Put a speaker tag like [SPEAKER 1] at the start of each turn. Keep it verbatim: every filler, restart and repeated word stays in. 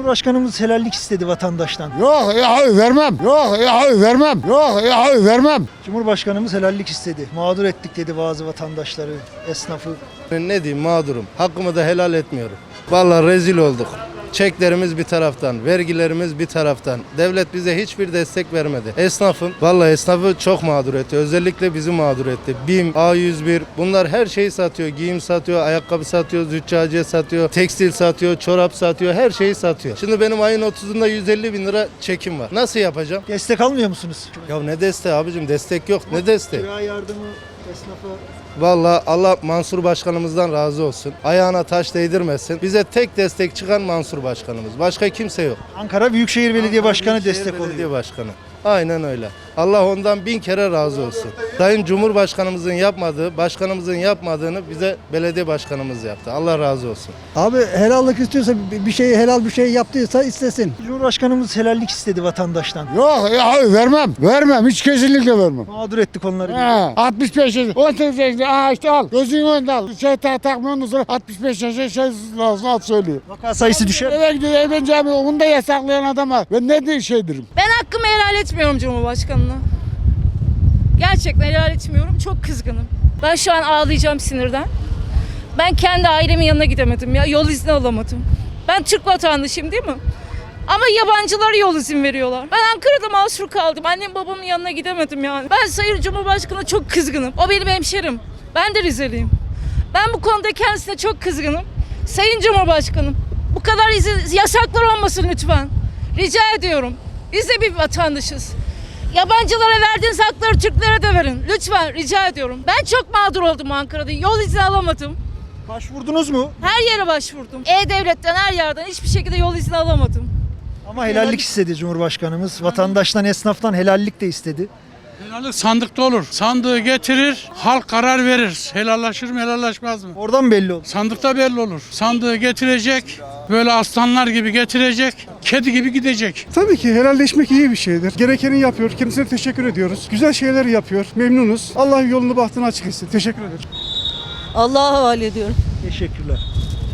[SPEAKER 1] Cumhurbaşkanımız helallik istedi vatandaştan.
[SPEAKER 2] Yok ya vermem. Yok ya vermem. Yok ya vermem.
[SPEAKER 1] Cumhurbaşkanımız helallik istedi. Mağdur ettik dedi bazı vatandaşları, esnafı.
[SPEAKER 3] Ben ne diyeyim, mağdurum. Hakkımı da helal etmiyorum. Vallahi rezil olduk. Çeklerimiz bir taraftan, vergilerimiz bir taraftan. Devlet bize hiçbir destek vermedi. Esnafın, vallahi esnafı çok mağdur etti. Özellikle bizi mağdur etti. BİM, A yüz bir bunlar her şeyi satıyor. Giyim satıyor, ayakkabı satıyor, züccaciye satıyor, tekstil satıyor, çorap satıyor, her şeyi satıyor. Şimdi benim ayın otuzunda yüz elli bin lira çekim var. Nasıl yapacağım?
[SPEAKER 1] Destek almıyor musunuz?
[SPEAKER 3] Ya ne desteği abicim, destek yok. Ne desteği?
[SPEAKER 1] Kira yardımı esnafa.
[SPEAKER 3] Vallahi Allah Mansur Başkanımızdan razı olsun. Ayağına taş değdirmesin. Bize tek destek çıkan Mansur Başkanımız. Başka kimse yok.
[SPEAKER 1] Ankara Büyükşehir Belediye Başkanı
[SPEAKER 3] Büyükşehir
[SPEAKER 1] destek oluyor.
[SPEAKER 3] Belediye Başkanı. Aynen öyle. Allah ondan bin kere razı olsun. Sayın Cumhurbaşkanımızın yapmadığı, başkanımızın yapmadığını bize belediye başkanımız yaptı. Allah razı olsun.
[SPEAKER 4] Abi helallik istiyorsa bir şeyi helal bir şey yaptıysa istesin.
[SPEAKER 1] Cumhurbaşkanımız helallik istedi vatandaştan.
[SPEAKER 2] Yok ya vermem. Vermem. Hiç kesinlikle vermem.
[SPEAKER 1] Mağdur ettik onları.
[SPEAKER 2] He, altmış beş yaş. on sekiz yaşında. Aa işte al. Gözünün önünde al. Şey tak takma ondan sonra altmış beş yaşında şey lazım al söylüyor.
[SPEAKER 1] Vaka sayısı düşer.
[SPEAKER 2] Eve gidiyor evleneceğim. Onu da yasaklayan adama. Ben ne diye şey derim.
[SPEAKER 5] Ben hakkımı helal etmiyorum Cumhurbaşkanı'na. Gerçekten helal etmiyorum. Çok kızgınım. Ben şu an ağlayacağım sinirden. Ben kendi ailemin yanına gidemedim ya. Yol izni alamadım. Ben Türk vatandaşıyım değil mi? Ama yabancılara yol izin veriyorlar. Ben Ankara'da mahsur kaldım. Annem babamın yanına gidemedim yani. Ben Sayın Cumhurbaşkanı'na çok kızgınım. O benim hemşerim. Ben de Rizeliyim. Ben bu konuda kendisine çok kızgınım. Sayın Cumhurbaşkanım, bu kadar izin, yasaklar olmasın lütfen. Rica ediyorum. Biz de bir vatandaşız. Yabancılara verdiğiniz hakları Türklere de verin. Lütfen rica ediyorum. Ben çok mağdur oldum Ankara'da. Yol izni alamadım.
[SPEAKER 1] Başvurdunuz mu?
[SPEAKER 5] Her yere başvurdum. E-Devlet'ten her yerden hiçbir şekilde yol izni alamadım.
[SPEAKER 1] Ama helallik istedi Cumhurbaşkanımız. Vatandaştan, esnaftan helallik de istedi.
[SPEAKER 6] Helallik sandıkta olur. Sandığı getirir, halk karar verir. Helallaşır mı, helallaşmaz mı?
[SPEAKER 1] Oradan belli oldu.
[SPEAKER 6] Sandıkta belli olur. Sandığı getirecek, böyle aslanlar gibi getirecek, kedi gibi gidecek.
[SPEAKER 7] Tabii ki helalleşmek iyi bir şeydir. Gerekeni yapıyor. Kendisine teşekkür ediyoruz. Güzel şeyler yapıyor. Memnunuz. Allah yolunu bahtını açık etsin. Teşekkür ederim.
[SPEAKER 8] Allah'a havale ediyorum.
[SPEAKER 1] Teşekkürler.